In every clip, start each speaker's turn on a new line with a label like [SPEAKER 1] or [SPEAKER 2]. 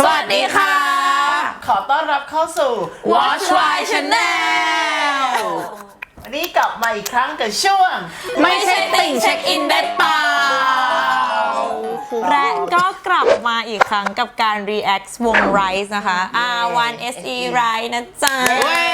[SPEAKER 1] วัสดีค่ะ
[SPEAKER 2] ขอต้อนรับเข้าสู่
[SPEAKER 1] Watch Why Channel
[SPEAKER 2] วันนี้กลับมาอีกครั้งกับช่วง
[SPEAKER 1] ไม่ใช่ติ่งเช็คอินได้เปล่า
[SPEAKER 3] และก็กลับมาอีกครั้งกับการ react วง Rise นะคะ R1SE Rise นะจ๊ะ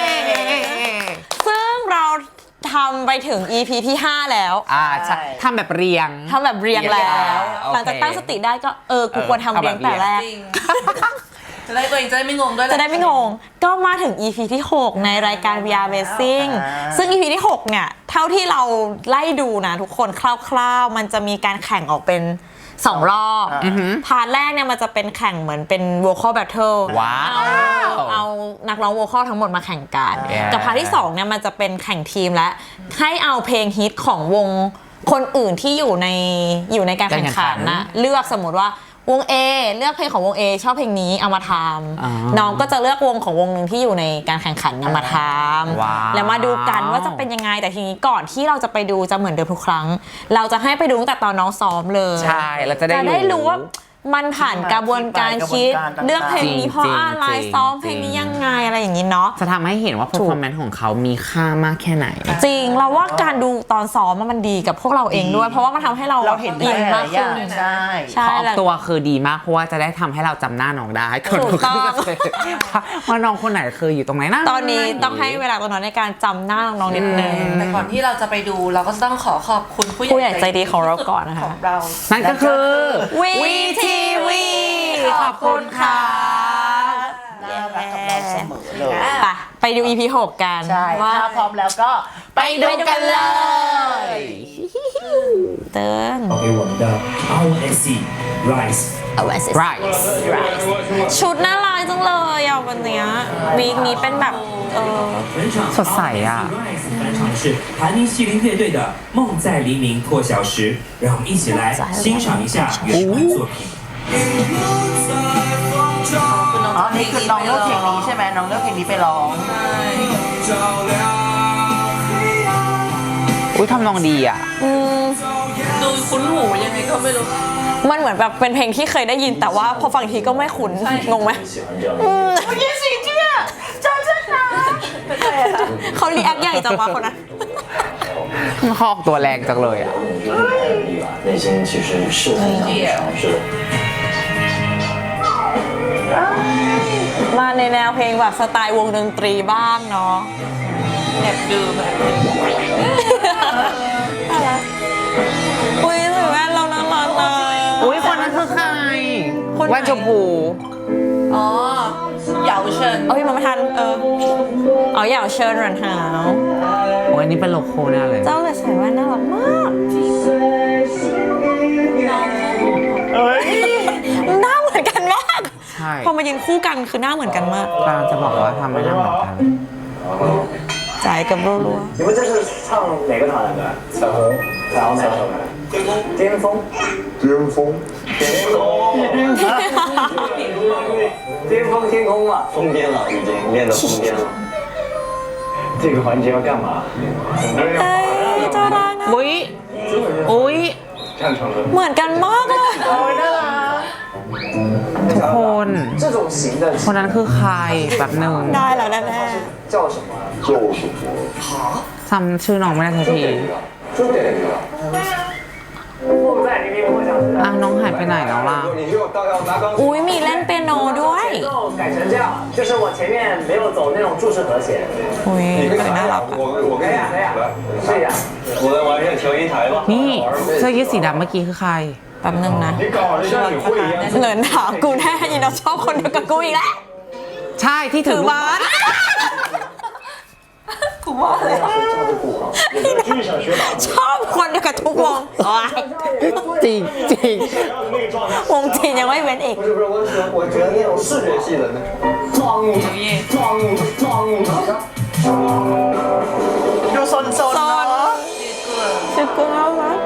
[SPEAKER 3] ซึ่งเราทำไปถึง EP ที่ 5 แล้ว
[SPEAKER 1] ทำแบบเรียง
[SPEAKER 3] แล้ว หลังจากตั้งสติได้ก็กูควรทำเรียงแต่แรก
[SPEAKER 4] จะได้ตัวเองจะได้ไม่งงด้วย
[SPEAKER 3] จะได้ไม่งงก็มาถึง EP ที่ 6 ในรายการ VR Racing ซึ่ง EP ที่ 6 เนี่ย เท่าที่เราไล่ดูนะทุกคนคร่าวๆมันจะมีการแข่งออกเป็น2 รอบพาร์ทแรกเนี่ยมันจะเป็นแข่งเหมือนเป็น vocal battle เอานักร้อง vocal ทั้งหมดมาแข่งกันกับพาร์ทที่2เนี่ยมันจะเป็นแข่งทีมและให้เอาเพลงฮิตของวงคนอื่นที่อยู่ในการแข่งขันนะเลือกสมมติว่าวง A เลือกเพลงของวง A ชอบเพลงนี้เอามาทำน้องก็จะเลือกวงของวงหนึ่งที่อยู่ในการแข่งขันนำมาทำแล้วมาดูกันว่าจะเป็นยังไงแต่ทีนี้ก่อนที่เราจะไปดูจะเหมือนเดิมทุกครั้งเราจะให้ไปดูตั้งแต่ตอนน้องซ้อมเลย
[SPEAKER 1] ใช่เราจะได้
[SPEAKER 3] รู้ว่ามันผ่านกระบวนการคิดเลือกเพลงนี้เพราะอะไรซ้อมเพลงนี้ยังไงอะไรอย่างนี้เนาะ
[SPEAKER 1] จะทำให้เห็นว่า performance ของเขามีค่ามากแค่ไหน
[SPEAKER 3] จริงเราว่าการดูตอนซ้อมมันดีกับพวกเราเองด้วยเพราะว่ามันทำให้เรา
[SPEAKER 2] เห็น
[SPEAKER 3] อินมากขึ้น
[SPEAKER 2] ใช่
[SPEAKER 1] ออกตัวคือดีมากเพราะว่าจะได้ทำให้เราจำหน้าน้องได้
[SPEAKER 3] ถูกต้อง
[SPEAKER 1] ว่าน้องคนไหนคืออยู่ตรงไหนนะ
[SPEAKER 3] ตอนนี้ต้องให้เวลาตอนนั้นในการจำหน้าน้องนิดนึง
[SPEAKER 4] แต่ก่อนที่เราจะไปดูเราก็ต้องขอบคุณ
[SPEAKER 3] ผู้ใหญ่ใจดีของเราก่อนนะคะ
[SPEAKER 1] นั่นก็คือ
[SPEAKER 3] VTV ขอบคุณค่ะ
[SPEAKER 2] น่ารักกับเราเสมอเลย
[SPEAKER 3] ไปดู EP 6 กัน
[SPEAKER 2] ว่าพร้อมแล้วก็ไปดูกันเลย
[SPEAKER 3] เติ้ง
[SPEAKER 5] 给我们的 R1SE Rise
[SPEAKER 3] ชุดน่ารักจังเลยอ่ะวันนี้วีคนี้เป็นแบบ
[SPEAKER 1] สดใสอ่ะ
[SPEAKER 5] 返场的是盘尼西林乐队的《梦在黎明破晓时》，让我们一起来欣赏一下原版作品。
[SPEAKER 2] อ๋อนี่คือน้องเลือกเพลงนี้ใช่ไหมน้องเลือกเพลงนี้ไปร้อง
[SPEAKER 1] อุ้ยทำนองดีอ่ะ
[SPEAKER 4] ดูคุ้นหูยังไงก็ไม่รู้
[SPEAKER 3] มันเหมือนแบบเป็นเพลงที่เคยได้ยินแต่ว่าพอฟังทีก็ไม่คุ้นงงไหม
[SPEAKER 2] ยี่สิเจียจอจังนะ
[SPEAKER 3] เขารีแอคใหญ่จังวะคนนั้น
[SPEAKER 1] มันคอกตัวแรงจังเลยอ่ะ
[SPEAKER 3] มาในแนวเพลงแบบสไตล์วงดนตรีบ้างเนาะ
[SPEAKER 4] แอบดูแบบ
[SPEAKER 3] อุ้ยหรือว่าเราน่ารักนะ
[SPEAKER 1] อุ้ยคนนั้นคือใครแว่นชมพู
[SPEAKER 4] อ๋อเหยาเชิญ
[SPEAKER 3] พี่มาไม่ทันเหยาเชิญรันหาว
[SPEAKER 1] โอ้ยนี่เป็นโลโก้แน่เลย
[SPEAKER 3] เจ้าเลยใส่แว่นน่ารักมากหน้าเหมือนกันมากพอมายืนคู่กันคือหน้าเหมือนกันมาก
[SPEAKER 1] กำลังจะบอกว่าทำไม่ได้เหมือนกัน
[SPEAKER 3] จ่ายกับรัว
[SPEAKER 5] ๆ你们这是唱哪个团的？彩虹哪首的？巅峰巅峰天空嘛，疯癫了，已经练得疯癫了。这个环节要干嘛？
[SPEAKER 3] เจ้ารักนะ
[SPEAKER 1] อุ้ย
[SPEAKER 3] เหมือนกันมากเลย
[SPEAKER 1] ทุกคนคนนั้นคือใครแบบหนึ่ง
[SPEAKER 3] ได้แล้วแน่
[SPEAKER 5] 叫什么？
[SPEAKER 1] จำชื่อน้องไม่ได้ทันทีน้องหายไปไหนแล้วล่ะ
[SPEAKER 3] อุ้ยมีเล่นเปียโนด้วย
[SPEAKER 5] 改成这样就是我前面没有走那种注释和弦
[SPEAKER 3] อุ้ยน่ารัก
[SPEAKER 5] 我可以啊试一下我来玩一下调音台吧
[SPEAKER 1] นี่เสื้อยืดสีดำเมื่อกี้คือใคร
[SPEAKER 3] แป๊บนึงนะเหลินถามกูแน่ยีเราชอบคนเดียวกับกูอีกแล้ว
[SPEAKER 1] ใช่ที่ถือบาส
[SPEAKER 3] กูว่าเลยชอบคนเดียวกับทุกวง
[SPEAKER 1] จริง
[SPEAKER 3] วงจีนยังไม่เว้นอีก
[SPEAKER 5] 不是我觉得那种视觉系的那种
[SPEAKER 2] ดูโซนเนาะ
[SPEAKER 3] ชื่อกูเอาวะ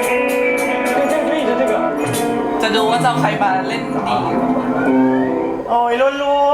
[SPEAKER 4] จะดูว่าจะใครมาเล่นดี
[SPEAKER 2] โอ้ยรัว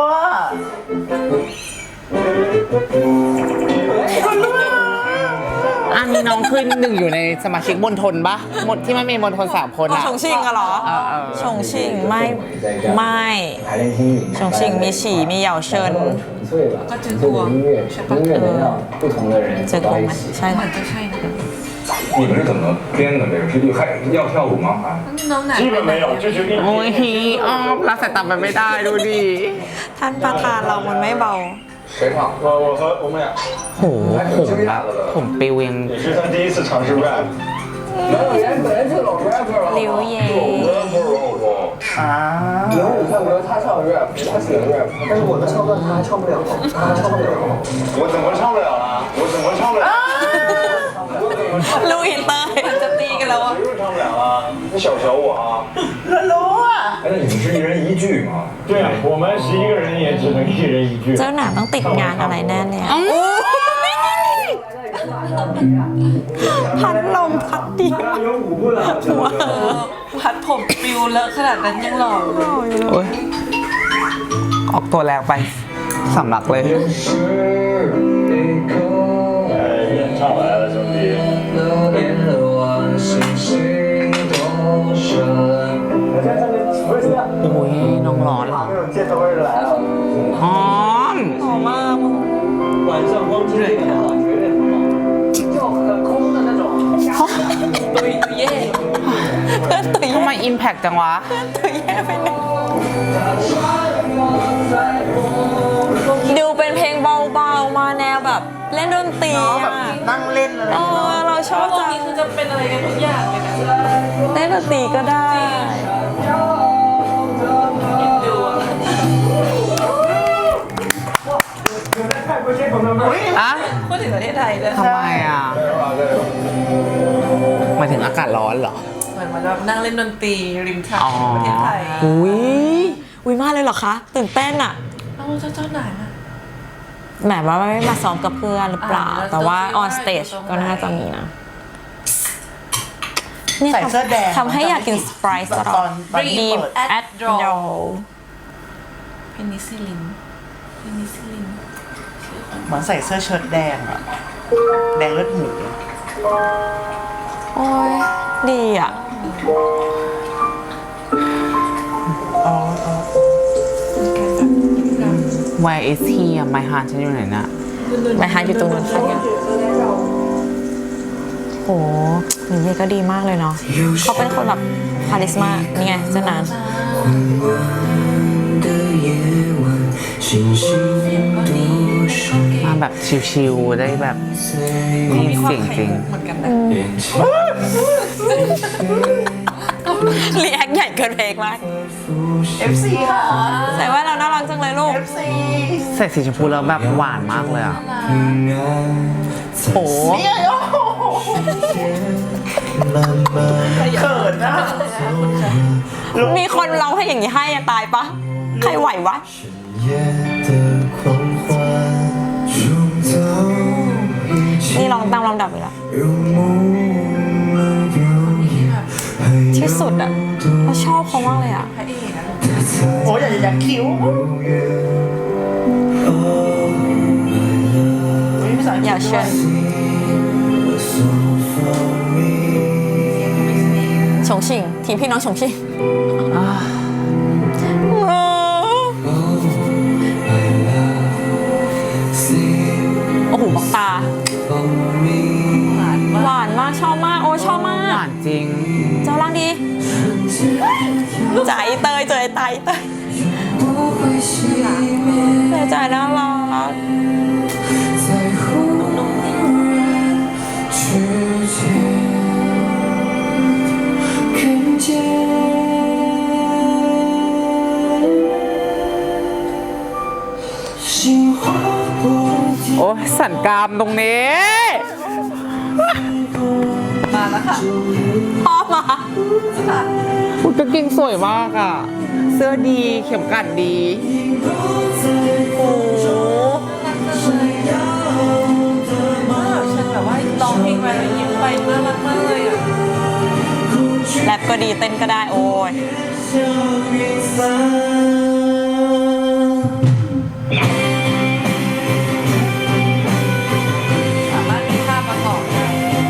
[SPEAKER 1] อันนี้น้องขึ้นหนึ่งอยู่ในสมาชิกมณฑลปะหมดที่ไม่มีมณฑล3 คน
[SPEAKER 3] อ๋อ
[SPEAKER 1] อะ
[SPEAKER 3] ชงชิงอะเหรอ ชงชิงไม่ชงชิงมีฉี่มีเหยาเชิญ
[SPEAKER 4] ก็จือกวงใช่ปะ
[SPEAKER 3] เจอกงไหมใช่
[SPEAKER 4] เหมื
[SPEAKER 3] ค่ะ
[SPEAKER 4] อนจะใช่นะ
[SPEAKER 6] 你们是怎么编的这个 PPT？还要跳舞吗？还？
[SPEAKER 4] น้องหนา
[SPEAKER 7] 基本没有，就决定
[SPEAKER 1] โอ้ยฮีออฟรักสายตาไปไม่ได้ดูดิ
[SPEAKER 3] ท่านประธานเรามันไม่เบา
[SPEAKER 6] 谁唱？
[SPEAKER 7] 我和我们俩
[SPEAKER 1] โหผมปิวยัง
[SPEAKER 7] 也是他第一次尝试 rap。
[SPEAKER 6] 没有人本来就老 rapper 了。
[SPEAKER 3] ลิวเย่
[SPEAKER 1] อ้าว
[SPEAKER 6] 以后你看不着他唱 rap，他写的 rap，但是我的唱段他还唱不了，他还唱不了。
[SPEAKER 7] 我怎么唱不了了？我怎么唱不了？
[SPEAKER 3] ลูกอินเตอร์
[SPEAKER 4] มันจะตีกันแล้วอ่ะ
[SPEAKER 7] 谁说唱不了啊？你小瞧我啊！
[SPEAKER 6] 哎，那你们是一人一句吗？
[SPEAKER 7] 对啊，我们11个人也只能一人一句。
[SPEAKER 3] เจ้าหนาต้องติดงานอะไรแน่เนี่ยพัดลมพัดเดียว
[SPEAKER 7] 有舞步的，
[SPEAKER 4] พัดผมปิวเลอะขนาดนั้นยังหล่ออยู่
[SPEAKER 1] โอ้ยออกตัวแรงไปสำลักเลย
[SPEAKER 7] 哎，演唱来了，兄弟。
[SPEAKER 1] โอ้ยน้องร้อนเหรอ
[SPEAKER 7] 这种箭头味儿来了，
[SPEAKER 1] หอม
[SPEAKER 3] หอมมากมึง
[SPEAKER 7] 晚上光听这个绝对很棒。
[SPEAKER 6] 就很空的那种。
[SPEAKER 4] ตุยเย่
[SPEAKER 3] เพื่อนตุย
[SPEAKER 1] ทำไมอิมแพกจังวะ
[SPEAKER 3] ตุยแย่ไปหนึ่งดูเป็นเพลงเบาๆมาแนวแบบเล่นดนตรีอ่ะ
[SPEAKER 1] นั่งเล่นอะไร
[SPEAKER 3] เราชอบ
[SPEAKER 4] วง
[SPEAKER 3] จัง
[SPEAKER 4] นี้คือจะเป็นอะไรกันทุกอย่างเลยนะ
[SPEAKER 3] เล่นดนตรีก็ได้
[SPEAKER 4] ดูอะ
[SPEAKER 1] อะ
[SPEAKER 4] พูดถึงประเทศไทยเลย
[SPEAKER 1] ทำไมอ่ะหมายถึงอากาศร้อนเหรอ
[SPEAKER 4] เหมือนมันแบบนั่งเล่นดนตรีริมทาง
[SPEAKER 1] อ๋อ
[SPEAKER 4] ประเทศไทย
[SPEAKER 1] อุ้ย
[SPEAKER 3] อุ้ยมากเลยเหรอคะ ตื่นเต้นอ่ะ
[SPEAKER 4] เอ้าเจ้าไหนอะ
[SPEAKER 3] แหมว่าไม่มาซ้อมกับเพื่อนหรือเปล่า
[SPEAKER 4] อ่า
[SPEAKER 3] แต่ว่า
[SPEAKER 4] แล้ว
[SPEAKER 3] on stage
[SPEAKER 4] ตรงไหน
[SPEAKER 3] ก็น่าจะมีนะนี่
[SPEAKER 1] ใส่เสื้อแดง
[SPEAKER 3] ทำให้อยากกินสไปร์ตลอด
[SPEAKER 1] ตอน
[SPEAKER 3] ดีม
[SPEAKER 1] เปิด
[SPEAKER 3] แอดดอ
[SPEAKER 4] เพนิซิลินเพนิซิลิน
[SPEAKER 1] เหมือนใส่เสื้อเชิ้ตแดงอะแดงเลือดหมู
[SPEAKER 3] โอ้ยดีอ่ะ
[SPEAKER 1] Where is he อะ My heart ฉันอยู่ไหนน่ะ
[SPEAKER 3] ไปหาอยู่ตรงนั้นค่ะเนี่ยโหนี่เย่ก็ดีมากเลยเนาะเขาเป็นคนแบบคาริสมานี่ไงเจ้านาน
[SPEAKER 1] มาแบบชิวๆได้แบบไม่มีเสียงจริง
[SPEAKER 4] เหมือนกันนะ
[SPEAKER 3] รีแอคใหญ่เกินเพลงมาก
[SPEAKER 1] FC ค่ะ
[SPEAKER 3] ใส่ว่าเราน่ารักจังเลยลูก
[SPEAKER 1] ใส่สีชมพูแล้วแบบหวานมากเลยอ่ะ
[SPEAKER 3] โอ้เขินนะมีคนร้องให้อย่างนี้ให้อะตายปะ ใครไหววะ นี่ร้องตามลำดับเลยละที่สุดอะเราชอบเขามากเลยอะ
[SPEAKER 4] พระเอกอะ
[SPEAKER 1] โอ้ยอยากคิ้ว
[SPEAKER 3] อย่าเชิญฉงชิ่งทีมพี่น้องฉงชิ่งโอ้โหบอกตา หวานมากชอบมาก โอ้ชอบมาก
[SPEAKER 1] หวานจริง
[SPEAKER 3] เจ้าร่างดีใจเตยเจอไตเตยใจน่ารัก
[SPEAKER 1] โอ้ยสันกรามตรงนี้
[SPEAKER 4] มาแล้วค่ะ
[SPEAKER 3] พ่อมา
[SPEAKER 1] อุ๊ยกางเกงสวยมากอ่ะ เสื้อดีเข็มกัดดี
[SPEAKER 3] โอ้
[SPEAKER 4] ฉันแบบว่าร้องเพลงไปแล้วยิ้มไปน่ารักมากเลยอ่ะ
[SPEAKER 3] แรปก็ดีเต้นก็ได้โอ้ย
[SPEAKER 4] สามารถมีท่าประกอบได้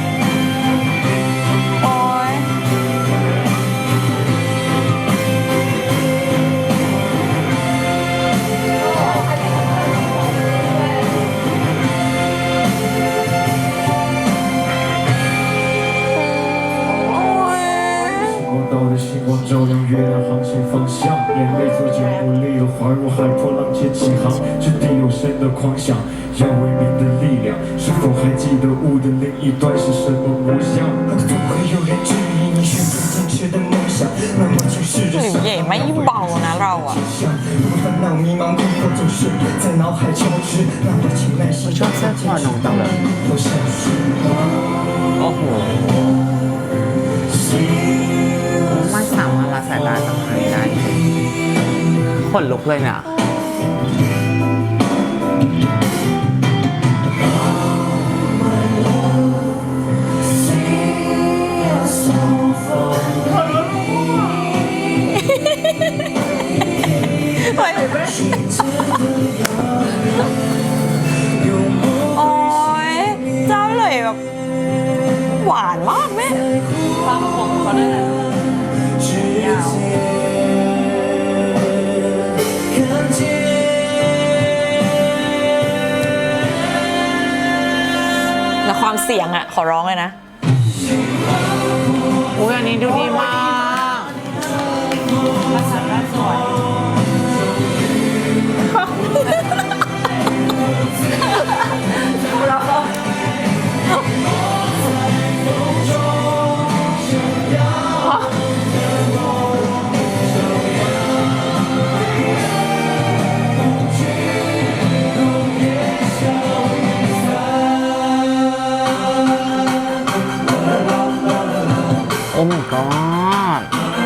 [SPEAKER 8] 无力的怀入海波浪尖起航，掷地有声的狂想，要为民的力量。是否还记得雾的另一端是什么模样？总会有人质疑你选择坚持的梦想，那么请试着
[SPEAKER 3] หลิวเหย่ไม่เบานะเราอะ
[SPEAKER 8] 烦恼迷茫困惑总是在脑海交织，那么请耐心
[SPEAKER 1] ชอบเสื้อคอน้องจังเลย
[SPEAKER 8] 都像是
[SPEAKER 1] โอ้โหไม่สามารถละสายตาจากใครได้ขนลุกเลยเนี่ย
[SPEAKER 3] โอ้ยเจ้าเลยแบบหวานมากแม่
[SPEAKER 4] ความผมเขาด้วยนะยาว
[SPEAKER 3] แล้วความเสียงอะขอร้องเลยนะ
[SPEAKER 1] อุ้ยอันนี้ดูดีมาก
[SPEAKER 4] ภาษาด้านสวย
[SPEAKER 1] โอ้ my god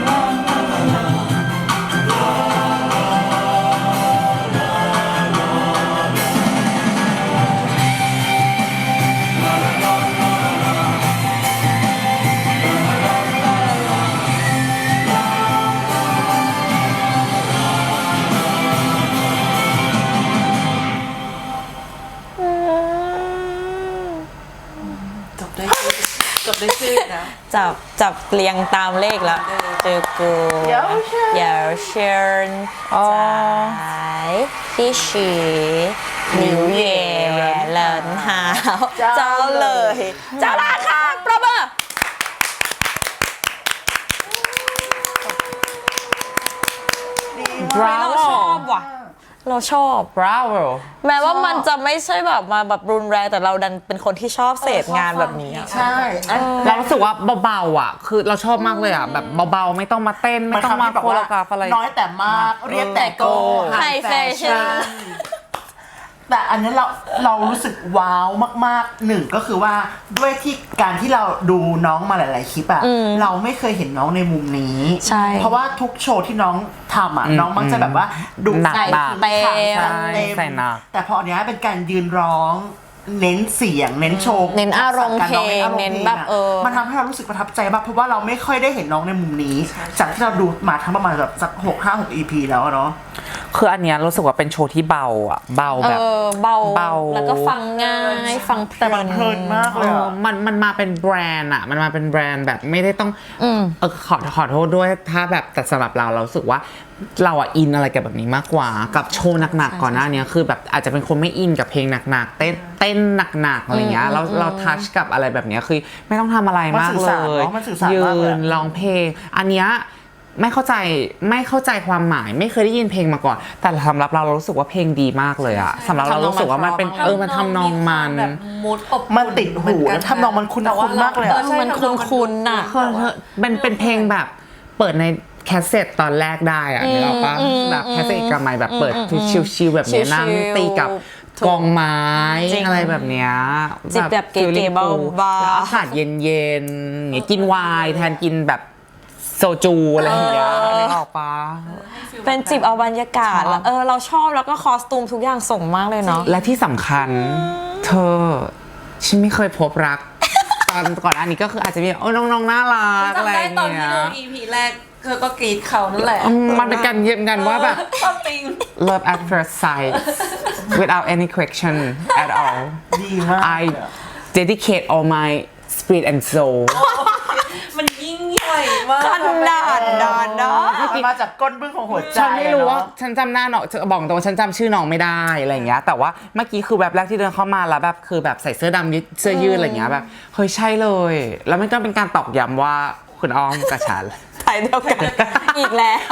[SPEAKER 4] จบได้ชื่อนะ
[SPEAKER 3] จับเรียงตามเลขแล้วเจอกูเหยาเชิญจ่ายพี่ฉีหลิวเหย่เหลินหาวเจ้าเลยเจ้าราคาประเบอร์เราชอบว่ะเราชอบ
[SPEAKER 1] bravo
[SPEAKER 3] แม้ว่ามันจะไม่ใช่แบบมาแบบรุนแรงแต่เราดันเป็นคนที่ชอบเสพงานแบบนี้อะ
[SPEAKER 2] ใช่
[SPEAKER 1] เรารู้สึกว่าเบาๆอ่ะ คือเราชอบมากเลยอ่ะ แบบเบาๆไม่ต้องมาเต้น ไม่ต้องมาโคโรกราฟอะไร
[SPEAKER 2] น้อยแต่มากเรียบแต่โก
[SPEAKER 3] ไฮแฟชั่น
[SPEAKER 2] แต่อันนี้เรารู้สึกว้าวมากๆหนึ่งก็คือว่าด้วยที่การที่เราดูน้องมาหลายๆคลิปอะเราไม่เคยเห็นน้องในมุมนี้
[SPEAKER 3] ใช่
[SPEAKER 2] เพราะว่าทุกโชว์ที่น้องทำอะน้องมักจะแบบว่าดู
[SPEAKER 1] หนัก
[SPEAKER 2] ใส่
[SPEAKER 1] หนัก
[SPEAKER 2] เต็ม
[SPEAKER 1] ใช่ใส่หนัก
[SPEAKER 2] แต่พออันเนี้ยเป็นการยืนร้องเน้นเสียงเน้นโชว์
[SPEAKER 3] เน้นอารมณ์เพลง
[SPEAKER 2] การร้อ
[SPEAKER 3] เน้นแบบ
[SPEAKER 2] มันทำให้เรารู้สึกประทับใจมากเพราะว่าเราไม่ค่อยได้เห็นน้องในมุมนี้ จากที่เราดูมาทั้งประมาณแบบสัก6-5-6 EP แล้วอะเนาะ
[SPEAKER 1] คืออันเนี้ยรู้สึกว่าเป็นโชว์ที่เบาอ่ะ เบาแบบ
[SPEAKER 3] เบา
[SPEAKER 1] เบา
[SPEAKER 3] แล้วก็ฟังง่ายฟังเพลิ
[SPEAKER 2] แต่มันเพลินมากเลยอะ
[SPEAKER 1] มันมาเป็นแบรนด์อ่ะ มันมาเป็นแบรนด์แบบไม่ได้ต้องขอโทษด้วยถ้าแบบแต่สำหรับเรารู้สึกว่าเราอะอินอะไรกับแบบนี้มากกว่ากับโชว์หนักๆก่อนหน้านี้คือแบบอาจจะเป็นคนไม่อินกับเพลงหนักๆเต้นหนักๆอะไรเงี้ยเราทัชกับอะไรแบบเนี้ยคือไม่ต้องทำอะไรมากเลย
[SPEAKER 2] มันสื่อสาร
[SPEAKER 1] ยื
[SPEAKER 2] มากเลย
[SPEAKER 1] นร้องเพลงอันเนี้ยไม่เข้าใจความหมายไม่เคยได้ยินเพลงมาก่อน แต่สำหรับเรารู้สึกว่าเพลงดีมากเลยอะสำหรับเรารู้สึกว่ามันเป็นมันทำนองมัน
[SPEAKER 4] แบบมูดอบ
[SPEAKER 2] มันติดหูแล้วทำนองมันคุ้นๆมากเลยอะ
[SPEAKER 3] มันคุ้นๆน่ะ
[SPEAKER 1] เป็นเพลงแบบเปิดในแคสเซ็ตตอนแรกได้อะนึกออกปะแบบแคสเซ็ตกระไมแบบเปิดชิลๆแบบเนี้ยนั่งตีกับกองไม้
[SPEAKER 3] จริง
[SPEAKER 1] อะไรแบบเนี้ย
[SPEAKER 3] จิบแบบเก๋ๆ
[SPEAKER 1] feeling cool
[SPEAKER 3] เบาๆ
[SPEAKER 1] แล้วอากาศเย็นๆเนี่ยกินไวน์แทนกินแบบโซจูอะไรอย่างเงี้ยนึกออกปะ
[SPEAKER 3] เป็นจิบเอาบรรยากาศแล้วเราชอบแล้วก็คอสตูมทุกอย่างส่งมากเลยเนาะ
[SPEAKER 1] และที่สำคัญเธอฉันไม่เคยพบรัก ตอนก่อนอันนี้ก็คืออาจจะมีน้องๆน่ารักอะไร
[SPEAKER 4] จำได้ตอน
[SPEAKER 1] เงี้
[SPEAKER 4] ที่
[SPEAKER 1] ย
[SPEAKER 4] ดู EP แรกเธอก็กรีดเขานั่นแหละ
[SPEAKER 1] มันเป็นการเยี่ยมกันว่าแบบ
[SPEAKER 4] ชอบติง
[SPEAKER 1] love at first sight without any question at all
[SPEAKER 2] ดีมาก
[SPEAKER 1] I dedicate all my spirit and soul
[SPEAKER 4] มันยิ่งใหญ่มาก
[SPEAKER 3] กันดานเนาะ
[SPEAKER 2] มันมาจากก้นบึ้งของหัวใจ
[SPEAKER 1] ฉันไม่รู้ว่า
[SPEAKER 2] อะเนอะ
[SPEAKER 1] ฉันจำหน้าน้องบอกตรงว่าฉันจำชื่อน้องไม่ได้อะไรอย่างเงี้ยแต่ว่าเมื่อกี้คือแบบแรกที่เดินเข้ามาแล้วแบบคือแบบใส่เสื้อดำเสื้อยืดอะไรอย่างเงี้ยแบบเฮ้ยใช่เลย แล้วมันก็เป็นการตอกย้ำว่าคุณอ้อมกับฉัน
[SPEAKER 3] ไทยเดียวกันอีกแล้ว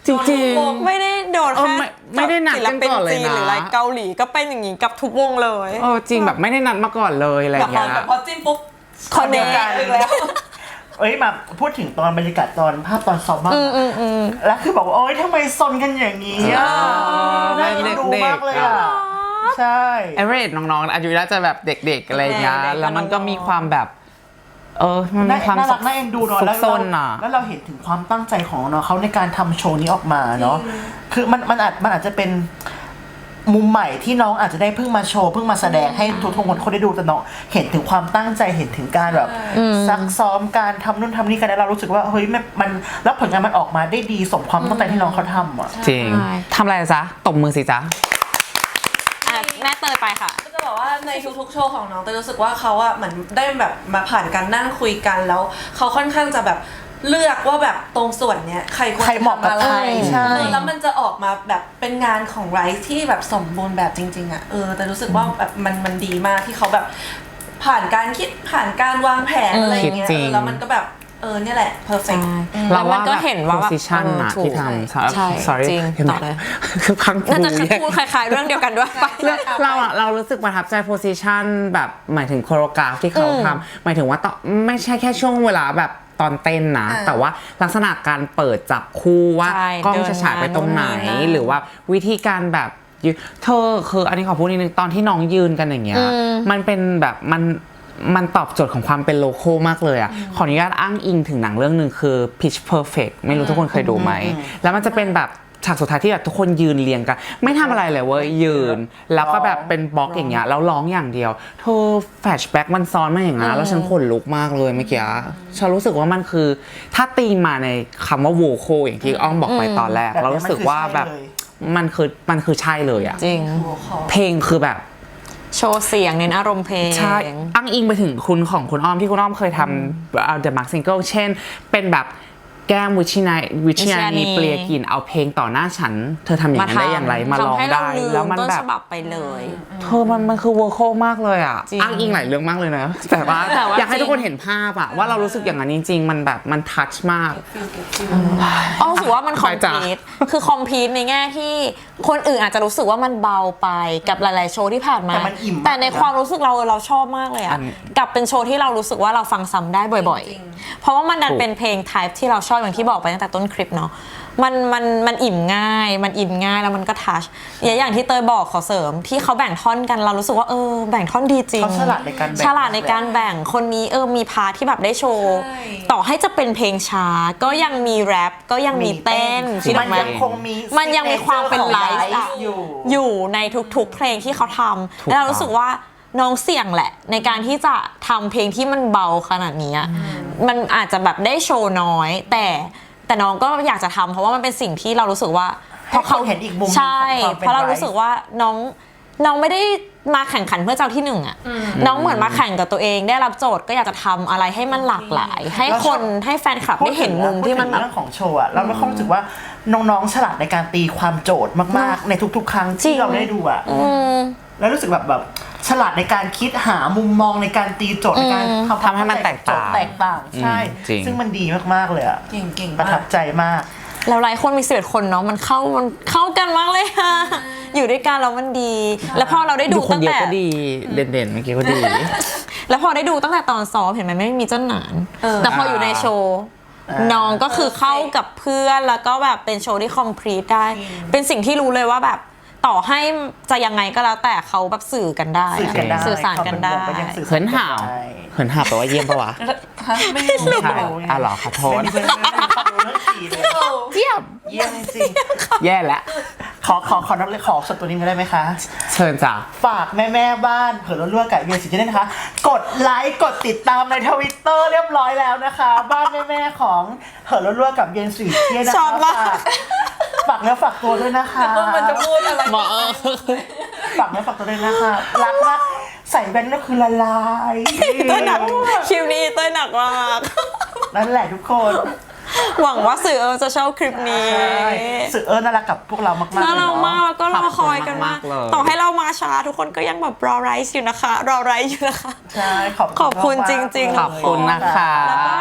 [SPEAKER 1] จริงๆ
[SPEAKER 3] ไม่ได้โดน
[SPEAKER 1] เออ
[SPEAKER 3] แค่
[SPEAKER 1] ไม่ได้นัดกันก่อนเลยนะ
[SPEAKER 3] ศิลปิจีหรืออะไรเกาหลีก็เป็นอย่างนี้กับทุกวงเลย
[SPEAKER 1] จริงแบบไม่ได้นัดมาก่อนเลยอะไรอ
[SPEAKER 4] แต่
[SPEAKER 1] ย่าง
[SPEAKER 4] พอ
[SPEAKER 1] เงี้ย
[SPEAKER 4] พอจิ้มปุ๊บ
[SPEAKER 3] คอนเนค
[SPEAKER 4] อีกแล้ว
[SPEAKER 2] เอ้ยมาพูดถึงตอนบรรยากาศตอนภาพตอนซ้อมบ้างแล้วคือบอกว่าโอ๊ยทำไมซนกันอย่างนี้อ่ะน่าเอ็นดูมากเลยอ่ะใช่
[SPEAKER 1] เอเวอเรสน้องๆอายุน่าจะแบบเด็กๆอะไรอย่างเงี้ยแล้วมันก็มีความแบบ มันมีความ
[SPEAKER 2] น่ารักน่าเอ็นดูเนาะ
[SPEAKER 1] ซุ
[SPEAKER 2] แล้
[SPEAKER 1] ก
[SPEAKER 2] ว
[SPEAKER 1] ซนอ่ะ
[SPEAKER 2] แล้วเราเห็นถึงความตั้งใจของน้องเขาในการทำโชว์นี้ออกมาเนาะคือมันอาจจะเป็นมุมใหม่ที่น้องอาจจะได้เพิ่งมาโชว์เพิ่งมาแสดงให้ทุกคนได้ดูแต่น้องเห็นถึงความตั้งใจเห็นถึงการแบบซักซ้อมการทำนู่นทำนี่กันแล้วเรารู้สึกว่าเฮ้ยมันแล้วผลงานมันออกมาได้ดีสมความตั้งใจที่น้องเขาทำอ่ะ
[SPEAKER 1] จริงทำอะไรจ๊ะตบมือสิจ๊ะ
[SPEAKER 3] แม่เตยไปค่ะ
[SPEAKER 4] ก็จะบอกว่าในทุกๆโชว์ของน้องเตยรู้สึกว่าเขาอะเหมือนได้แบบมาผ่านการนั่งคุยกันแล้วเขาค่อนข้างจะแบบเลือกว่าแบบตรงส่วนเนี้ยใครควร
[SPEAKER 2] ใคร
[SPEAKER 4] จะ
[SPEAKER 2] เหมาะกับ
[SPEAKER 4] ทำอะไร
[SPEAKER 2] ใครใช่
[SPEAKER 4] แล้วมันจะออกมาแบบเป็นงานของไรซ์ที่แบบสมบูรณ์แบบจริงๆอะแต่รู้สึกว่าแบบมันดีมากที่เขาแบบผ่านการคิดผ่านการวางแผนอะไรอย่างเงี้ย
[SPEAKER 1] คิดจริง
[SPEAKER 4] แล้วมันก็แบบเนี่ยแหละ perfect
[SPEAKER 3] แล้วมันก็เห็นว่าแบบ
[SPEAKER 1] position อะ
[SPEAKER 3] ถูก
[SPEAKER 1] ที่ทำ
[SPEAKER 3] ใช่
[SPEAKER 1] sorry
[SPEAKER 3] จริง
[SPEAKER 1] เห็นไหม
[SPEAKER 3] ต่อเลย
[SPEAKER 1] คือพัง
[SPEAKER 3] น่าจะ
[SPEAKER 1] แยก
[SPEAKER 3] พูดคล้ายๆเรื่องเดียวกันด้วยไป
[SPEAKER 1] เรารู้สึกประทับใจ position แบบหมายถึงโคโรกราฟที่เขาทำหมายถึงว่าต้องไม่ใช่แค่ช่วงเวลาแบบตอนเต้นนะ แต่ว่าลักษณะการเปิดจับคู่ว่า
[SPEAKER 3] ใช่
[SPEAKER 1] กล้องจะฉายไปตรงไหน
[SPEAKER 3] เดินมาโน่นนี่นั่น
[SPEAKER 1] หรือว่าวิธีการแบบเธอคืออันนี้ขอพูดนิดนึงตอนที่น้องยืนกันอย่างเงี้ยมันเป็นแบบมันตอบโจทย์ของความเป็นโลโก้มากเลยอ่ะขออนุญาตอ้างอิงถึงหนังเรื่องหนึ่งคือ Pitch Perfect ไม่รู้ทุกคนเคยดูไหมแล้วมันจะเป็นแบบฉากสุดท้ายที่แบบทุกคนยืนเรียงกันไม่ทำอะไรเลยเว้ยยืนแล้วก็แบบเป็นบล็อกอย่างเงี้ยแล้วร้องอย่างเดียวเธอแฟลชแบ็กมันซ้อนมาอย่างนั้นแล้วฉันขนลุกมากเลยเมื่อกี้ฉันรู้สึกว่ามันคือถ้าตีมาในคำว่าโวโคอย่างที่อ้อมบอกไปตอนแรกเรารู้สึกว่าแบบมันคือใช่เลยอ่ะ
[SPEAKER 3] จริง
[SPEAKER 1] เพลงคือแบบ
[SPEAKER 3] โชว์เสียงเน้นอารมณ์เพลง
[SPEAKER 1] ใช่อ้างอิงไปถึงคุณของคุณอ้อมที่คุณอ้อมเคยทำThe Mark Single เช่นเป็นแบบแก้มวิชญานีเปลียกลิ่นเอาเพลงต่อหน้าฉันเธอทำอย่างนั้นได้อย่างไรมาลองได้แล้วมันแบบ
[SPEAKER 3] ต้นฉบับไปเลย
[SPEAKER 1] เธอมันคือเวอร์โคมากเลยอ่ะ
[SPEAKER 3] จริง
[SPEAKER 1] อ้างอิงหลายเรื่องมากเลยนะแต่ว่า
[SPEAKER 3] แต่ว่า
[SPEAKER 1] อยากให้
[SPEAKER 3] จริง
[SPEAKER 1] ทุกคนเห็นภาพอะว่าเรารู้สึกอย่างนั้นจริงๆมันแบบมันทัชมาก
[SPEAKER 3] อ้อรู้สึกว่ามันคอม
[SPEAKER 1] ไปจ้ะ
[SPEAKER 3] พลีทคือคอมพลีทในแง่ที่คนอื่นอาจจะรู้สึกว่ามันเบาไปกับหลายๆโชว์ที่ผ่านมา
[SPEAKER 2] แต่มันอิ่มมาก
[SPEAKER 3] แต่ในความรู้สึกเราชอบมากเลยอะกับเป็นโชว์ที่เรารู้สึกว่าเราฟังซ้ำได้บ่อย
[SPEAKER 4] จริง
[SPEAKER 3] ๆ เพราะว่ามันดันเป็นเพลงไทป์ที่เราชอบอย่างที่บอกไปตั้งแต่ต้นคลิปเนาะมันอิ่มง่ายมันอินง่ายแล้วมันก็ทัชอย่างที่เตยบอกขอเสริมที่เขาแบ่งท่อนกันเรารู้สึกว่าแบ่งท่อนดีจริง
[SPEAKER 2] เขาฉลาดในการแบ่ง
[SPEAKER 3] ฉลาดในการแบ่งคนนี้มีพาร์ทที่แบบได้โชว์
[SPEAKER 4] ใช่
[SPEAKER 3] ต่อให้จะเป็นเพลงช้าก็ยังมีแรปก็ยังมีเต้น
[SPEAKER 2] คือ
[SPEAKER 3] ที่
[SPEAKER 2] มัน
[SPEAKER 3] ไหม
[SPEAKER 2] ยังคงมี
[SPEAKER 3] มันยังมีความเป็นไลฟ์อะ
[SPEAKER 2] อยู่
[SPEAKER 3] ในทุกๆเพลงที่เขาทำแล้วเรารู้สึกว่าน้องเสี่ยงแหละ ในการที่จะทำเพลงที่มันเบาขนาดนี้อะมันอาจจะแบบได้โชว์น้อย แต่น้องก็อยากจะทำเพราะว่ามันเป็นสิ่งที่เรารู้สึกว่า
[SPEAKER 2] ให้คนเห็นอีกมุมหนึ่ง
[SPEAKER 3] ใช่
[SPEAKER 2] ของความเป็น
[SPEAKER 3] เพราะเรารู้สึกว่าน้องไม่ได้มาแข่งขันเพื่อเจ้าที่หนึ่งอะน้องเหมือนมาแข่งกับตัวเองได้รับโจทย์ก็อยากจะทำอะไรให้มันหลากหลาย ให้คนให้แฟนคลับได้เห็นมุมที่มัน
[SPEAKER 2] พูดถึงเรื่องของโชว์อะเราไม่ค่อยรู้สึกว่าน้องๆฉลาดในการตีความโจทย์มากๆในทุกๆ ครั้ง
[SPEAKER 3] จริ
[SPEAKER 2] ที่
[SPEAKER 3] ง
[SPEAKER 2] เราได้ดูอะแล้วรู้สึกแบบฉลาดในการคิดหามุมมองในการตีโจทย์ในการ
[SPEAKER 1] ทำให้มันแตกต่าง
[SPEAKER 2] โจทย์แตกต่างใช่
[SPEAKER 1] จริง
[SPEAKER 2] ซึ่งมันดีมากๆเลยอะ
[SPEAKER 4] เก่งๆ
[SPEAKER 2] ประทับใจมาก
[SPEAKER 3] แล้วหลายคนมี11คนเนาะมันเข้ากันมากเลยค่ะ อยู่ด้วยกันแล้วมันดี แล้วพอเราได้ดู
[SPEAKER 1] ดูคน
[SPEAKER 3] ตั้ง
[SPEAKER 1] เดียว
[SPEAKER 3] แต่
[SPEAKER 1] ก็ดีเด่นๆเมื่อกี้ก็ดี
[SPEAKER 3] แล้วพอได้ดูตั้งแต่ตอนซ้อมเห็นไหมไม่มีเจ้าหนานแต่พออยู่ในโชว์น้องก็คือเข้ากับเพื่อนแล้วก็แบบเป็นโชว์ที่คอมพลีทได้ เป็นสิ่งที่รู้เลยว่าแบบต่อให้จะยังไงก็แล้วแต่เขาแบบสื่อกันได้
[SPEAKER 2] สื่อกันได้
[SPEAKER 3] สื่อสารกันได้
[SPEAKER 2] ความเป็นวงก็ยังสื่อสาร
[SPEAKER 1] เหินห่าวเหินห่าวแปลว่าเยี่ยมปะวะ
[SPEAKER 4] ไม่รู้
[SPEAKER 1] ไม่ใช่อ่ะเหรอขอโทษ
[SPEAKER 2] ไม่ได้ความรู้เรื่องสีเลย
[SPEAKER 1] เยี่ยม
[SPEAKER 2] เยี่ยมจริง
[SPEAKER 1] แย่แล้ว
[SPEAKER 2] ขอนับเลยขอสดตัวนี้มาได้ไหมคะ
[SPEAKER 1] เชิญจ้ะ
[SPEAKER 2] ฝากแม่บ้านเผื่อรั่วๆกับเวียนสิทธิ์ด้วยนะคะ กดไลค์กดติดตามในทวิตเตอร์เรียบร้อยแล้วนะคะ บ้านแม่ของเผื่อรั่วๆกับเวียนสิทธิ์นะ
[SPEAKER 3] ช
[SPEAKER 2] คะ
[SPEAKER 3] อบมาก
[SPEAKER 2] ฝากเนื้อฝากตัวด้วยนะคะ
[SPEAKER 4] ว่ามันจะพูดอะไร
[SPEAKER 1] หมอ
[SPEAKER 2] ฝากเนื้อฝากตัวด้วยนะคะรักมากใส่แว่นก็คือละลาย
[SPEAKER 3] เต้ยหนักคลิปนี้เต้ยหนักมาก
[SPEAKER 2] นั่นแหละทุกคน
[SPEAKER 3] หวังว่าสื่อจะชอบคลิปนี้
[SPEAKER 2] ใช่สื่อน่ารักกับพวกเรามากๆ
[SPEAKER 3] น่ารัก
[SPEAKER 2] เลย
[SPEAKER 3] มาก
[SPEAKER 2] เนาะ
[SPEAKER 3] แล้วก็รอคอยกันมาก
[SPEAKER 1] ขอบคุณมากๆเลย
[SPEAKER 3] ต่อให้เรามาช้าทุกคนก็ยังแบบรอไรซ์อยู่นะคะ รอไรซ์อยู่นะคะ
[SPEAKER 2] ใช่ขอบ
[SPEAKER 3] ขอบคุณ
[SPEAKER 2] มากๆ
[SPEAKER 3] จริงๆ
[SPEAKER 2] เลย
[SPEAKER 1] ขอบคุณนะคะ
[SPEAKER 3] แล้วก็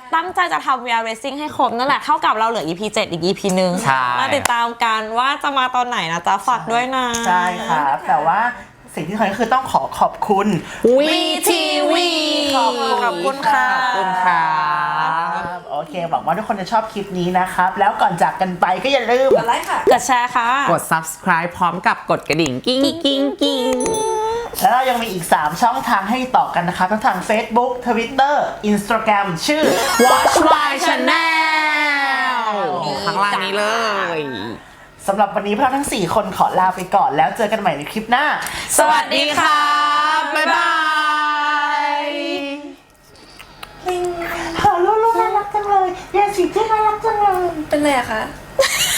[SPEAKER 3] ตั้งใจจะทำ VR Racing ให้ครบนั่นแหละเท่ากับเราเหลือ EP 7 อีก EP นึง
[SPEAKER 1] ใช่
[SPEAKER 3] มาติดตามกันว่าจะมาตอนไหนนะจ๊ะฝากด้วยนะ
[SPEAKER 2] ใช่ครับแต่ว่าสิ่งที่สำคัญก็คือต้องขอบคุณ
[SPEAKER 1] VTV
[SPEAKER 3] ขอบคุณค่ะ
[SPEAKER 1] ขอบคุณค่ะ
[SPEAKER 2] โอเคหวังว่าทุกคนจะชอบคลิปนี้นะครับ แล้วก่อนจากกันไปก็อย่าลืม
[SPEAKER 4] กดไลค์ค่ะ
[SPEAKER 3] กดแชร์ค่ะ
[SPEAKER 1] กด subscribe พร้อมกับกดกระดิ่งกิ้งกิ้งกิ้ง
[SPEAKER 2] แล้วเรายังมีอีก 3 ช่องทางให้ต่อกันนะครับทั้งทาง Facebook Twitter Instagram ชื่อ
[SPEAKER 1] Watch My Channel ข้างล่างนี้เลย
[SPEAKER 2] สำหรับวันนี้พวกเราทั้ง 4 คนขอลาไปก่อนแล้วเจอกันใหม่ในคลิปหน้า
[SPEAKER 1] สวัสดีค่ะบ๊ายบาย
[SPEAKER 2] ฮัลโหลน่ารักจังเลยเยสิที่น่ารักจังเลย
[SPEAKER 4] เป็นไรอะคะ